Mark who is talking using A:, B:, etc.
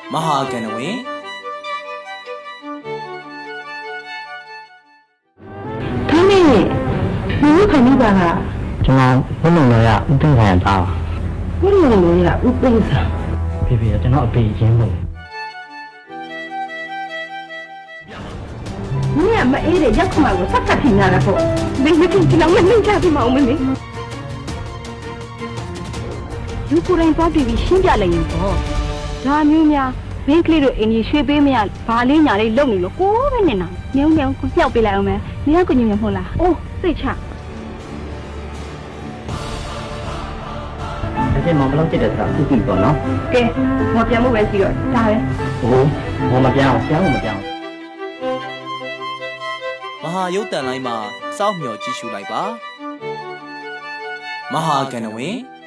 A: မဟာကဏဝင်
B: ခင်းနေဘူးခဏပါက
C: ကျွန်တော်ဘုလုံတော်ရဥသိမ်းဆိုင်သားပါ
B: ဘုလုံတော်ရဥသိမ်းဆိုင်
C: ဖေဖေကျွန်တော်အဖေရင်းလို့
B: 你也没挨着，也看嘛，我啥个听下来不？你听起来我没家的嘛，我们的。如果人把对比新家来用不，咱们呀，别个了，你随便么呀，把你家里弄了，过不呢呐？你要不来我们，你要跟你们好啦？哦，对cha。
C: 而且毛不老记得啥，自己做喏。
B: 给，我边没关系了，咋的？
C: 哦，我们边，我们边。
A: မဟာရုပ်တန်လိုင်းမှာစောင့်မျှော်ကြည့်ရှုလိုက်ပါမဟာကဏဝင်